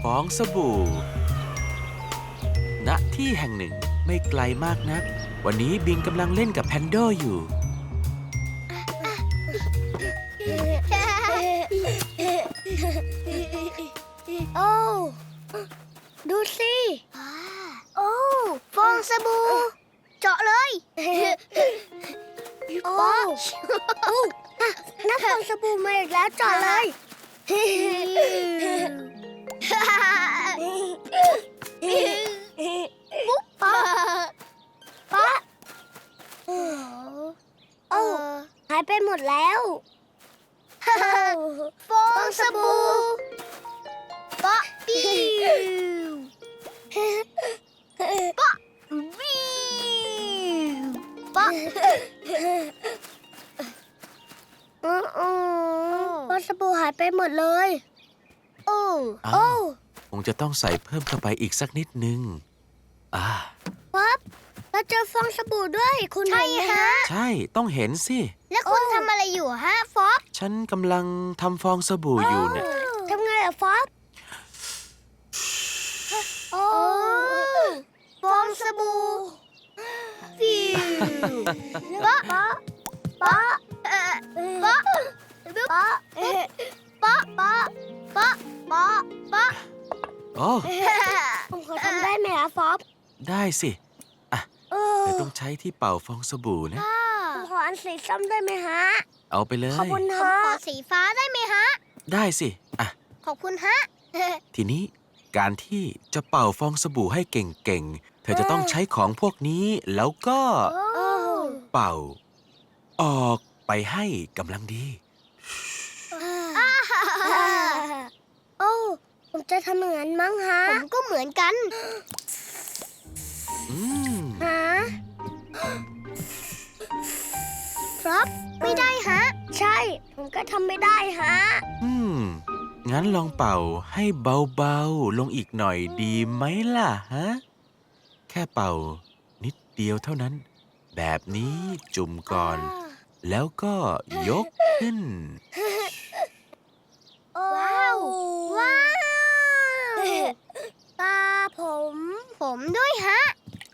องสบู่ณที่แห่งหนึ่งไม่ไกลมากนักวันนี้บิงกำลังเล่นกับแพนโดอยู่โอ้ดูสิโอ้ฟองสบู่เจาะเลยโอ้น้ำฟองสบู่มาอีกแล้วเจาะเลยปุ๊บป๊ะป๊ะโอ้หายไปหมดแล้วฟองสบู่ป๊ะปิ้วป๊ะปิ้วป๊ะฟองสบู่หายไปหมดเลยโอ้อ้าว คงจะต้องใส่เพิ่มเข้าไปอีกสักนิดนึงป๊บเราเจอฟองสบู่ด้วยคุณใช่ฮะใช่ต้องเห็นสิแล้วคุณทำอะไรอยู่ฮะฟอบฉันกำลังทำฟองสบู่อยู่เนี่ยทำไงอะฟอบโอ้ฟองสบู่ฟิวป๊ะป๊ะป๊ะป๊ะป๊ะป๊ะป๊ะป๊ะป๊ะป๊ะโอ้ผมขอทำได้ไหมอะฟอบได้สิเดี๋ยวต้องใช้ที่เป่าฟองสบู่นะผมขออันสีส้มได้ไหมฮะเอาไปเลยขอบคุณฮะขอสีฟ้าได้ไหมฮะได้สิขอบคุณฮะทีนี้การที่จะเป่าฟองสบู่ให้เก่งๆ เธอจะต้องใช้ของพวกนี้แล้วก็เป่า ออกไปให้กำลังดีโอ้ผมจะทำเหมือนมั้งฮะ ผมก็เหมือนกัน ฮะครับไม่ได้ฮะ ใช่ ผมก็ทำไม่ได้ฮะงั้นลองเป่าให้เบาๆ ลงอีกหน่อยดีไหมล่ะฮะ แค่เป่านิดเดียวเท่านั้น แบบนี้จุ่มก่อน แล้วก็ยกขึ้นว้าว ว้าวตาผมด้วยฮะ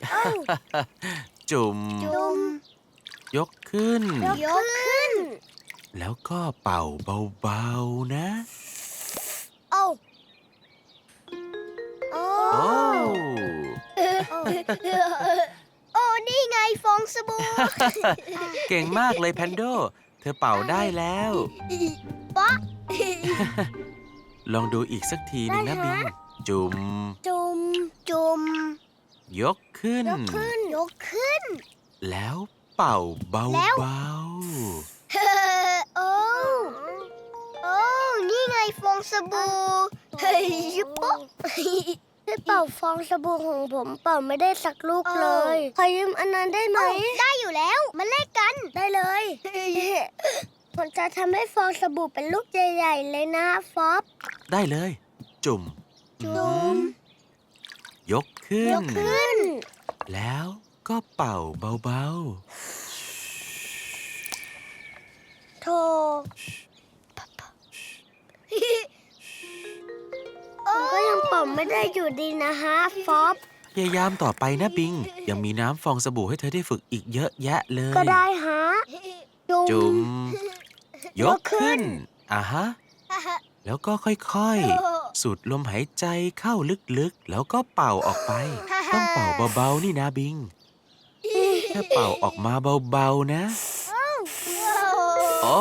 จุ่มจุ่มยกขึ้นยกขึ้นแล้วก็เป่าเบาๆนะโอ้โอ้โอ้โอ้ นี่ไงฟองสบู่เก่งมากเลยแพนโด เธอเป่าได้แล้วป๊ะลองดูอีกสักทีหนึงนะบิง จุ่มจุ่ม จุ่มยกขึ้นยกขึ้น ยกขึ้นแล้วเป่าเบาแล้ว โอ้ โอ้ นี่ไงฟองสบู่ เฮ้ยปุ๊บให้เป่าฟองสบู่ของผมเป่าไม่ได้สักลูกเลย ขอยืมอันนั้นได้ไหม ได้อยู่แล้ว มาเล่นกัน ได้เลย ผมจะทำให้ฟองสบู่เป็นลูกใหญ่ๆเลยนะฟอบๆ ได้เลย จุ่มจุ่มยกขึ้ยนกขึ้นแล้วก็เป่าเบาโธ่ผมก็ยังเป่าไม่ได้อยู่ดีนะฮะฟอบๆ พยายามต่อไปนะบิง ยังมีน้ำฟองสบู่ให้เธอได้ฝึกอีกเยอะแยะเลยก็ได้ฮะจุ่ม ยกขึ้นฮะ แล้วก็ค่อยๆ สูดลมหายใจเข้าลึกๆ แล้วก็เป่าออกไป ต้องเป่าเบาๆ นี่นะบิง แค่เป่าออกมาเบาๆ นะ โอ้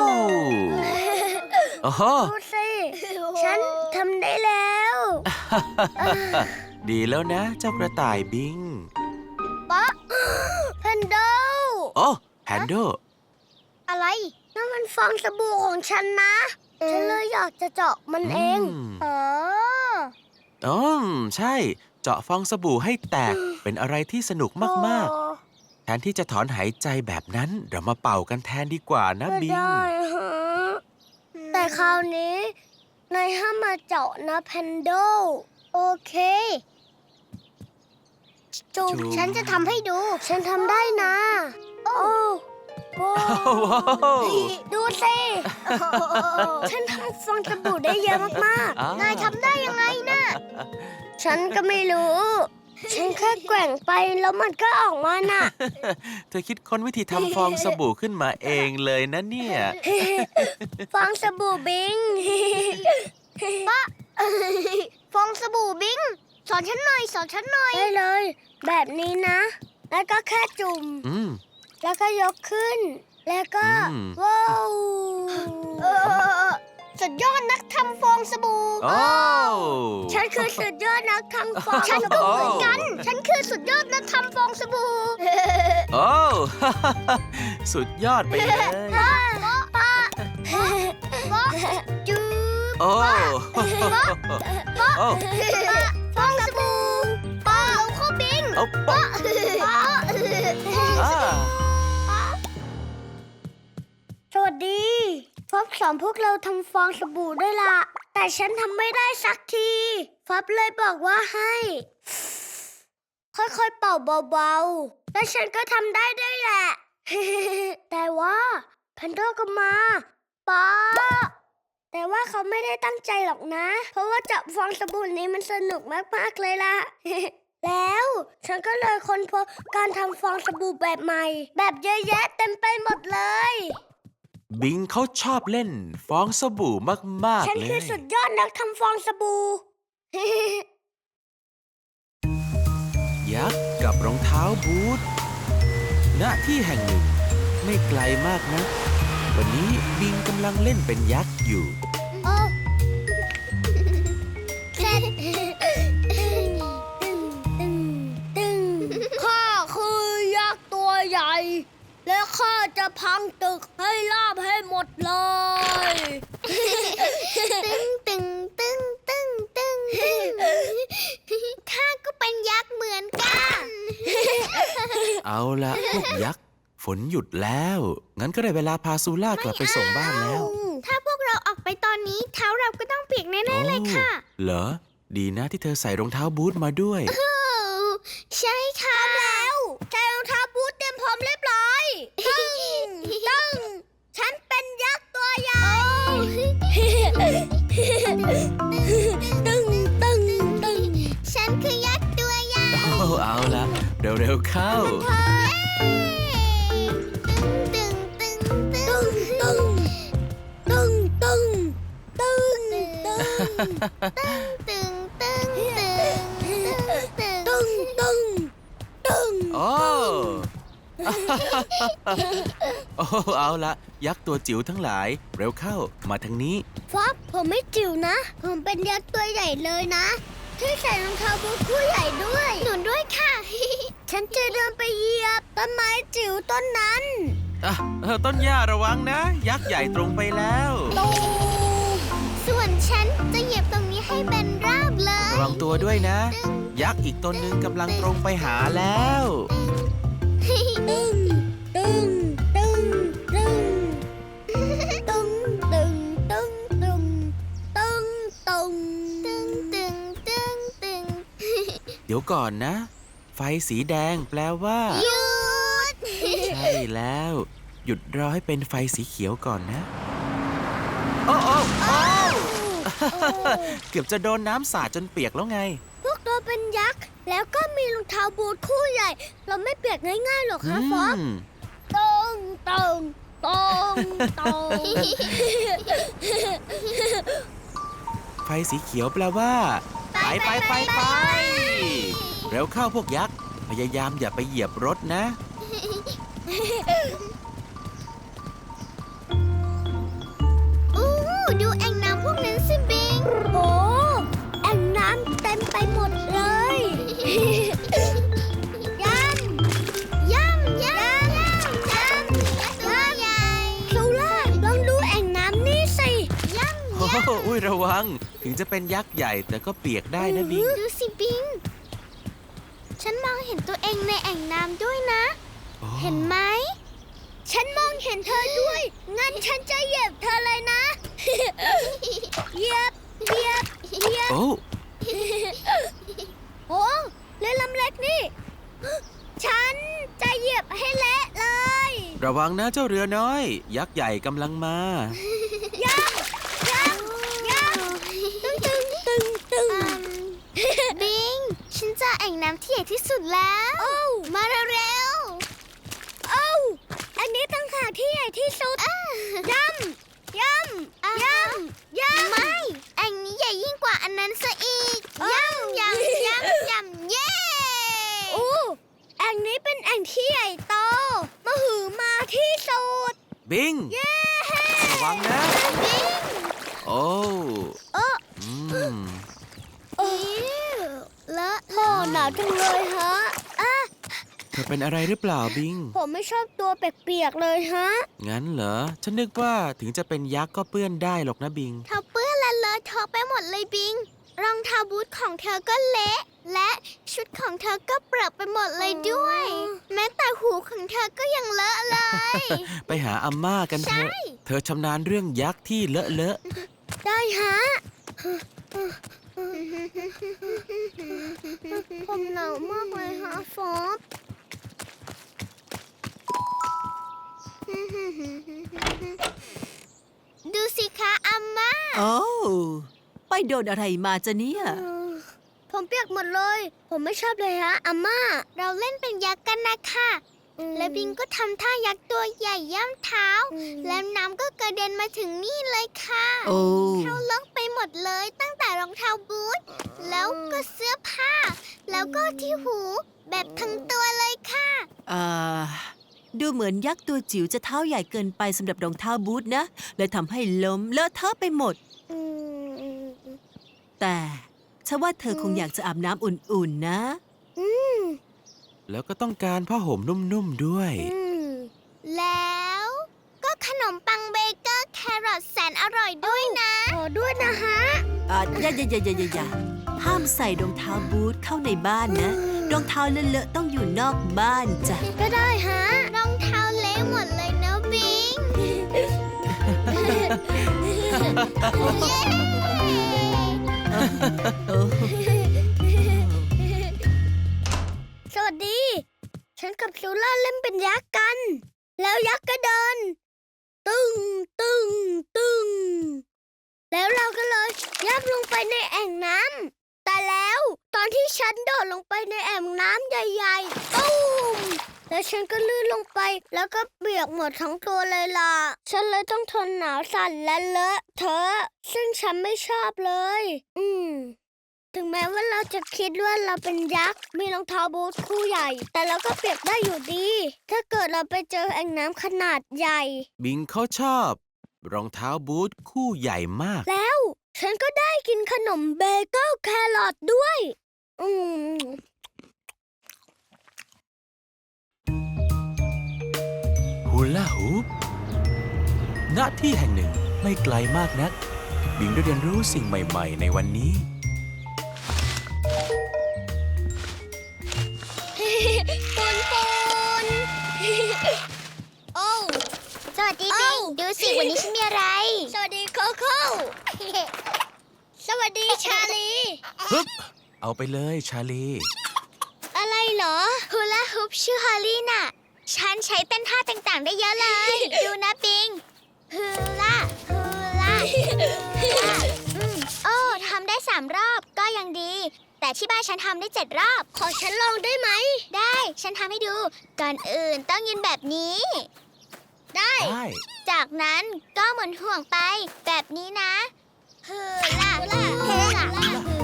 โอ้โหดูสิ ฉันทำได้แล้วดีแล้วนะ เจ้ากระต่ายบิงป๊ะแพนโดโอ้แฮนโดอะไรนั่นมันฟองสบู่ของฉันนะ ฉันเลยอยากจะเจาะมันเองใช่ เจาะฟองสบู่ให้แตก เป็นอะไรที่สนุกมากๆ แทนที่จะถอนหายใจแบบนั้น เรามาเป่ากันแทนดีกว่านะบิงได้ฮะแต่คราวนี้นายห้ามมาเจาะนะแพนโด โอเคจูจูฉันจะทำให้ดู ฉันทำได้นะ โอ้โป้ว้าวดูสิฉันทำฟองสบู่ได้เยอะมากอ่าๆนายทำได้ยังไงนะฉันก็ไม่รู้ ฉันแค่แกว่งไปแล้วมันก็ออกมาน่ะเธอคิดค้นวิธีทำฟองสบู่ขึ้นมาเองเลยนะเนี่ยฟองสบู่บิงป้าฟองสบู่บิงสอนฉันหน่อยได้เลย แบบนี้นะ แล้วก็แค่จุ่มอืมแล้วก็ยกขึ้น แล้วก็อืมว้าวสุดยอดนักทำฟองสบู่โอ้ฉันคือสุดยอดนักทำฟองฉันก็เหมือนกัน ฉันคือสุดยอดนักทำฟองสบู่โอ้ สุดยอดไปเลยป้าจูบโอ้ โอ้ฟองสบู่ป้าเราเข้าบิงเอาปะป้าอ่าสวัสดีฟอบสอนพวกเราทำฟองสบู่ด้วยล่ะ แต่ฉันทำไม่ได้สักทีฟอบเลยบอกว่าให้ ค่อยๆเป่าเบาๆ และฉันก็ทำได้ด้วยแหละ แต่ว่าแพนโดก็มาป้าแต่ว่าเขาไม่ได้ตั้งใจหรอกนะ เพราะว่าจับฟองสบู่นี้มันสนุกมากๆเลยล่ะ แล้วฉันก็เลยค้นพบการทำฟองสบู่แบบใหม่ แบบเยอะแยะเต็มไปหมดเลยบิงเขาชอบเล่นฟองสบู่มากฉันๆ เลคือย สุดยอดนักทำฟองสบู่ยักษ์กับรองเท้าบูทณที่แห่งหนึ่ง ไม่ไกลมากนะ วันนี้บิงกำลังเล่นเป็นยักษ์อยู่โอ้เสร็จข้าคือยักษ์ตัวใหญ่ และข้าจะพังตึกให้ราบให้หมดเลย ข้าก็เป็นยักษ์เหมือนกันเอาละพวกยักษ์ฝนหยุดแล้ว งั้นก็ได้เวลาพาซูล่ากลับไปส่งบ้านแล้วถ้าพวกเราออกไปตอนนี้เท้าเราก็ต้องเปียกแน่ๆเลยค่ะเหรอ ดีนะที่เธอใส่รองเท้าบูทมาด้วยใช่ค่ะแล้วใส่รองเท้าบูทเตรียมพร้อมเรียบร้อยตึ้งฉันเป็นยักษ์ตัวใหญ่ตึ้งฉันคือยักษ์ตัวใหญ่เอาละเร็วๆเข้าตึ้งโอ้ โอ้ เอาละยักษ์ตัวจิ๋วทั้งหลาย เร็วเข้ามาทางนี้ฟอบผมไม่จิ๋วนะ ผมเป็นยักษ์ตัวใหญ่เลยนะที่ใส่รองเท้าบูทคู่ใหญ่ด้วยหนุนด้วยค่ะ ฉันจะเดินไปเหยียบต้นไม้จิ๋วต้นนั้นต้นหญ้าระวังนะ ยักษ์ใหญ่ตรงไปแล้วตูมส่วนฉันจะเหยียบตรงนี้ให้เป็นราบเลยระวังตัวด้วยนะ ยักษ์อีกตนหนึ่งกำลังตรงไปหาแล้วตึ้งตึ้งตึ้งตึ้งตึ้งตึ้งตึ้งตึ้งตึ้งตึ้งตึ้งตึ้งตึ้งตึ้งเดี๋ยวก่อนนะ ไฟสีแดงแปลว่าหยุดใช่แล้ว หยุดรอให้เป็นไฟสีเขียวก่อนนะ โอ้โอ้โอ้ เกือบจะโดนน้ำสาดจนเปียกแล้วไงพวกเราเป็นยักษ์แล้วก็มีรองเท้าบูทคู่ใหญ่ เราไม่เปียกง่ายๆหรอกคะฟอบตรงตรงตรงตรงไฟสีเขียวแปลว่า ไปไปไปไปเร็วเข้าพวกยักษ์ พยายามอย่าไปเหยียบรถนะดูแอ่งน้ำพวกนั้นสิบิงโอ้แอ่งน้ำเต็มไปหมดเลยย่ำตัวใหญ่ซูล่าลองดูแอ่งน้ำนี่สิย่ำโอ้โหอุ้ยระวัง ถึงจะเป็นยักษ์ใหญ่แต่ก็เปียกได้นะบิงดูสิบิง ฉันมองเห็นตัวเองในแอ่งน้ำด้วยนะ เห็นไหม ฉันมองเห็นเธอด้วย งั้นฉันจะเหยียบเธอเลยนะ เหยียบโอ้โอ้เรือลำเล็กนี่ ฉันจะเหยียบให้เละเลยระวังนะเจ้าเรือน้อย ยักษ์ใหญ่กำลังมาบิง ฉันเจอแอ่งน้ำที่ใหญ่ที่สุดแล้วมาเร็วๆอันนี้ตั้งหากที่ใหญ่ที่สุดย่ำไม่แอ่งนี้ใหญ่ยิ่งกว่าอันนั้นซะอีกย่ำเย้แอ่งนี้เป็นแอ่งที่ใหญ่โตมหึมาที่สุดบิงเย้ระวังนะบิงโอ้ อืมเลอะโถ่หนาวจังเลยฮะเธอเป็นอะไรหรือเปล่าบิงผมไม่ชอบตัวเปียกๆเลยฮะงั้นเหรอ ฉันนึกว่าถึงจะเป็นยักษ์ก็เปื้อนได้หรอกนะบิงเธอเปื้อนและเลอะเทอะไปหมดเลยบิง รองเท้าบูทของเธอก็เละ และชุดของเธอก็เปรอะไปหมดเลยด้วย แม้แต่หูของเธอก็ยังเลอะเลยไปหาอาม่ากันเถอะใช่เธอชำนาญเรื่องยักษ์ที่เลอะได้ฮะ ผมหนาวมากเลยฮะฟอบดูสิคะอาม่าโอ้ไปโดนอะไรมาจะเนี่ยผมเปียกหมดเลย ผมไม่ชอบเลยฮะอาม่า เราเล่นเป็นยักษ์กันนะคะและบิงก็ทำท่ายักษ์ตัวใหญ่ย่ำเท้า แล้วน้ำก็กระเด็นมาถึงนี่เลยค่ะโอ้เท้าเลอะไปหมดเลยตั้งแต่รองเท้าบูทแล้วก็เสื้อผ้า แล้วก็ที่หูแบบทั้งตัวเลยค่ะอ่า ดูเหมือนยักษ์ตัวจิ๋วจะเท้าใหญ่เกินไปสำหรับรองเท้าบูทนะเลยทำให้ล้มเลอะเทอะไปหมด แต่ฉันว่าเธอคงอยากจะอาบน้ำอุ่นๆนะๆ แล้วก็ต้องการผ้าห่มนุ่มๆด้วยแล้วก็ขนมปังเบเกอร์แครอทแสนอร่อยด้วยนะขอด้วยนะฮะอย่าห้ามใส่รองเท้าบูทเข้าในบ้านนะ รองเท้าเลอะๆต้องอยู่นอกบ้านจ้ะก็ได้ฮะ รองเท้าเละหมดเลยนะบิง เย้โอ้สวัสดี ฉันกับซูล่าเล่นเป็นยักษ์กัน แล้วยักษ์ก็เดิน ตึง แล้วเราก็เลยยับลงไปในแอ่งน้ำ แต่แล้วตอนที่ฉันโดดลงไปในแอ่งน้ำใหญ่ๆตุ้มแล้วฉันก็ลื่นลงไป แล้วก็เปียกหมดทั้งตัวเลยล่ะ ฉันเลยต้องทนหนาวสั่นและเลอะเทอะซึ่งฉันไม่ชอบเลย ถึงแม้ว่าเราจะคิดว่าเราเป็นยักษ์ มีรองเท้าบูทคู่ใหญ่ แต่เราก็เปียกได้อยู่ดี ถ้าเกิดเราไปเจอแอ่งน้ำขนาดใหญ่บิงเขาชอบ รองเท้าบูทคู่ใหญ่มากแล้วฉันก็ได้กินขนมเบเกิลแครอทด้วยฮูลาฮูป ณ ที่แห่งหนึ่งไม่ไกลมากนัก บิงได้เรียนรู้สิ่งใหม่ๆ ในวันนี้ปูน โอ้สวัสดีบิง ดูสิวันนี้ฉันมีอะไร สวัสดีโคโค่ สวัสดีชาลีฮึบ เอาไปเลยชาลีอะไรเหรอฮูลาฮูปชื่อฮอลลี่น่ะ ฉันใช้เต้นท่าต่างๆได้เยอะเลย ดูนะบิงฮูลาโอ้ทำได้3 รอบก็ยังดี แต่ที่บ้านฉันทำได้7 รอบ ขอฉันลองได้ไหม ได้ฉันทำให้ดู ก่อนอื่นต้องยืนแบบนี้ ได้ได้จากนั้นก็หมุนห่วงไปแบบนี้นะฮูลาฮูลา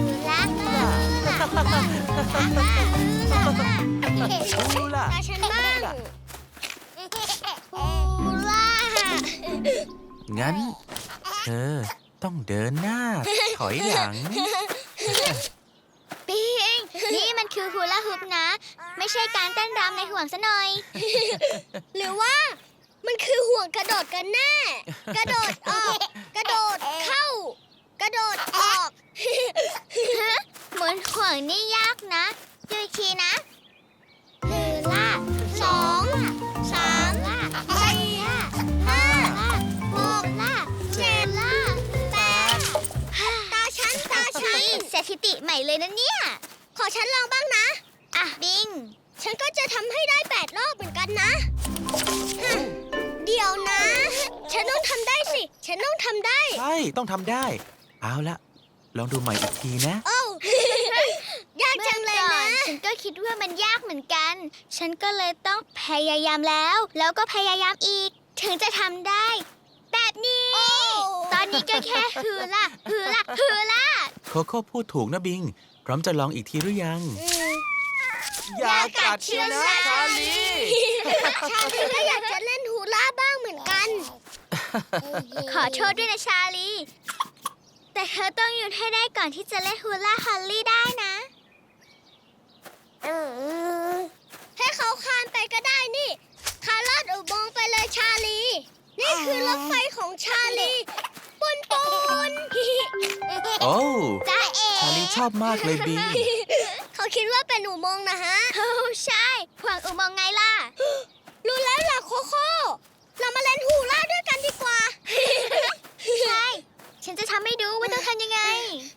ฮูลาตาฉันบ้างฮูลางั้น เธอต้องเดินหน้า ถอยหลังปิงนี่มันคือฮูลาฮูปนะ ไม่ใช่การเต้นรำในห่วงซะหน่อย หรือว่ามันคือห่วงกระโดดกันแน่ กระโดดออก กระโดดเข้า กระโดดออก หมุนห่วงนี่ยากนะดูอีกทีนะฮูลา2 3 4 5 6 7 8 ตาฉันสถิติใหม่เลยนะเนี่ย ขอฉันลองบ้างนะ อ่ะบิง ฉันก็จะทำให้ได้8 รอบเหมือนกันนะเดี๋ยวนะ ฉันต้องทำได้สิ ฉันต้องทำได้ใช่ ต้องทำได้ เอาละ ลองดูใหม่อีกทีนะโอ้ ยากจังเลยนะฉันก็คิดว่ามันยากเหมือนกัน ฉันก็เลยต้องพยายามแล้วก็พยายามอีก ถึงจะทำได้ แบบนี้ ตอนนี้ก็แค่ฮือล่ะโคโค่พูดถูกนะบิง พร้อมจะลองอีกทีหรือยังอย่ากัดเชื้อนะชาลีชาลีก็อยากจะเล่นฮูล่าบ้างเหมือนกันขอโทษด้วยนะชาลี แต่เธอต้องหยุดให้ได้ก่อนที่จะเล่นฮูล่าฮอลลี่ได้นะให้เขาคานไปก็ได้นี่คานลอดอุโมงค์ไปเลยชาลี นี่คือรถไฟของชาลี ปุนโอ้จ้าเอ๋ชาลีชอบมากเลยบิงเขาคิดว่าเป็นอุโมงค์นะฮะโอ้ใช่ห่วงอุโมงค์ไงล่ะรู้แล้วล่ะโคโค่ เรามาเล่นฮูล่าด้วยกันดีกว่าใช่ ฉันจะทำให้ดูว่าต้องทำยังไง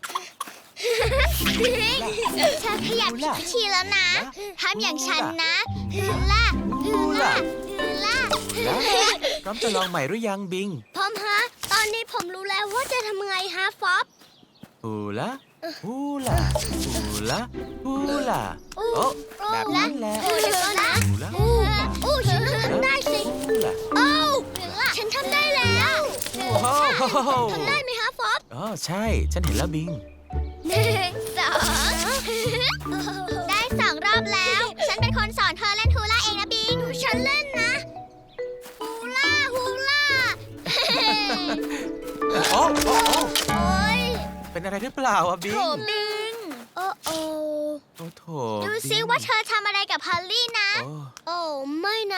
เธอขยับผิดวิธีแล้วนะ ทำอย่างฉันนะฮือล่าฮูล่าฮือล่าแล้วพร้อมจะลองใหม่หรือยังบิงพร้อมฮะ ตอนนี้ผมรู้แล้วว่าจะทำไงฮะฟอบฮูล่าฮูล่าฮูล่าฮูล่าโอ้แบบนั้นแหละโอ้เดี๋ยวก่อนนะฮูล่าโอ้ฉันต้องทำได้สิฮูล่าโอ้ฉันทำได้แล้วโอ้โหทำได้ไหมฮะฟอบอ๋อใช่ ฉันเห็นแล้วบิง 1 2 ได้ 2 รอบแล้ว ฉันเป็นคนสอนเธอเล่นฮูล่าเองนะบิงฉันเล่นนะฮูล่าโอ้โอ้โอ้โอ้ยเป็นอะไรหรือเปล่าอะบิโถงบิงโอ้โอ้โอ้โถดูซิบิงว่าเธอทำอะไรกับฮอลลี่นะโอ้โอ้ไม่นะ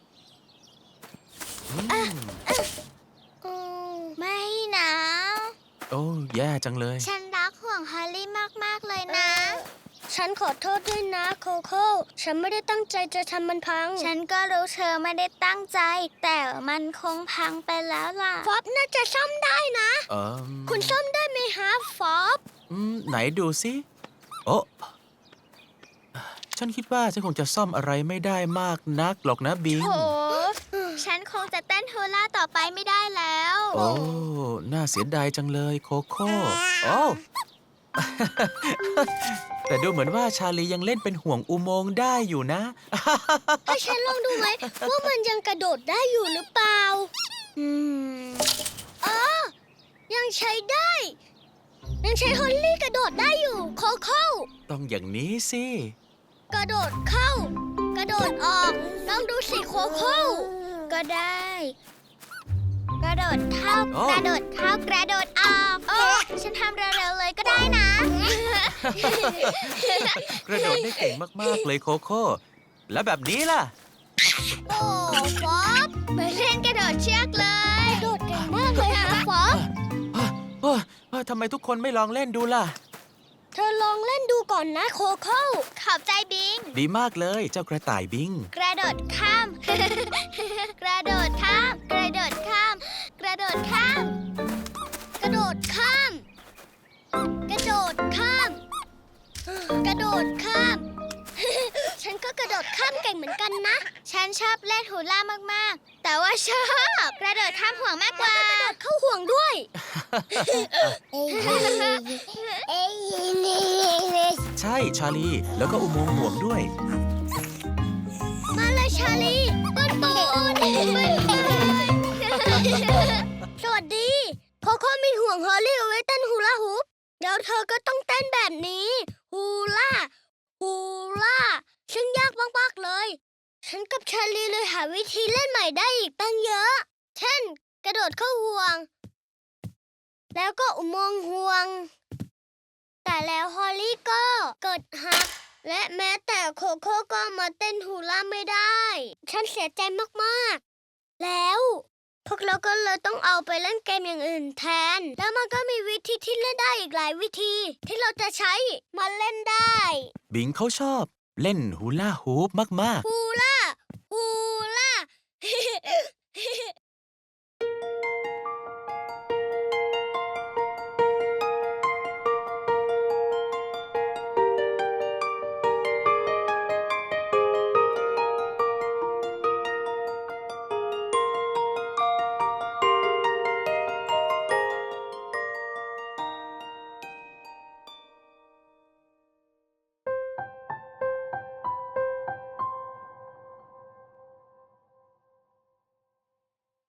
อืมอืมไม่นะโอ้แย่จังเลยฉันรักห่วงฮอลลี่มาก ๆ เลยนะฉันขอโทษด้วยนะโคโค่ ฉันไม่ได้ตั้งใจจะทำมันพังฉันก็รู้เธอไม่ได้ตั้งใจ แต่มันคงพังไปแล้วล่ะฟอบน่าจะซ่อมได้นะเออคุณซ่อมได้ไหมฮะฟอบไหนดูสิโอ้ฉันคิดว่าฉันคงจะซ่อมอะไรไม่ได้มากนักหรอกนะบิงโถ ฉันคงจะเต้นฮูล่าต่อไปไม่ได้แล้วโอ้ น่าเสียดายจังเลยโคโค่โอ้ แต่ดูเหมือนว่าชาลียังเล่นเป็นห่วงอุโมงค์ได้อยู่นะให้ฉันลองดูไหม ว่ามันยังกระโดดได้อยู่หรือเปล่า อ๋อ ยังใช้ได้ ยังใช้ฮอลลี่กระโดดได้อยู่ โคโค่ต้องอย่างนี้สิกระโดดเข้า กระโดดออก ลองดูสิโคโค่ก็ได้ กระโดดเข้าโอ้กระโดดเข้ากระโดดออกฉันทำเร็วๆเลยก็ได้นะกระโดดได้เก่งมาก ๆ เลยโคโค่ แล้วแบบนี้ล่ะโอ้ฟอบไปเล่นกระโดดเชือกเลยกระโดดเก่งมากเลยฮะฟอบทำไมทุกคนไม่ลองเล่นดูล่ะเธอลองเล่นดูก่อนนะโคโค่ขอบใจบิงดีมากเลยเจ้ากระต่ายบิงกระโดดข้าม กระโดดข้าม กระโดดข้าม กระโดดข้ามกระโดดข้าม กระโดดข้าม กระโดดข้าม ฉันก็กระโดดข้ามเก่งเหมือนกันนะฉันชอบเล่นฮูล่ามากๆ แต่ว่าชอบกระโดดข้ามห่วงมากกว่าเข้าห่วงด้วยใช่ชาลี แล้วก็อุโมงค์ห่วงด้วยมาเลยชาลีปุนปุนสวัสดีโคโค่มีห่วงฮอลลี่เอาไว้เต้นฮูลาฮูปเดี๋ยวเธอก็ต้องเต้นแบบนี้ฮูล่าฮูล่าซึ่งยากมากๆเลย ฉันกับชาลีเลยหาวิธีเล่นใหม่ได้อีกตั้งเยอะ เช่น กระโดดเข้าห่วง แล้วก็อุโมงค์ห่วง แต่แล้วฮอลลี่ก็เกิดหัก และแม้แต่โคโค่ก็มาเต้นฮูล่าไม่ได้ ฉันเสียใจมากๆ แล้วพวกเราก็เลยต้องเอาไปเล่นเกมอย่างอื่นแทน แล้วมันก็มีวิธีที่เล่นได้อีกหลายวิธี ที่เราจะใช้มาเล่นได้บิงเขาชอบเล่นฮูล่าฮูปมากฮูล่า ฮูล่า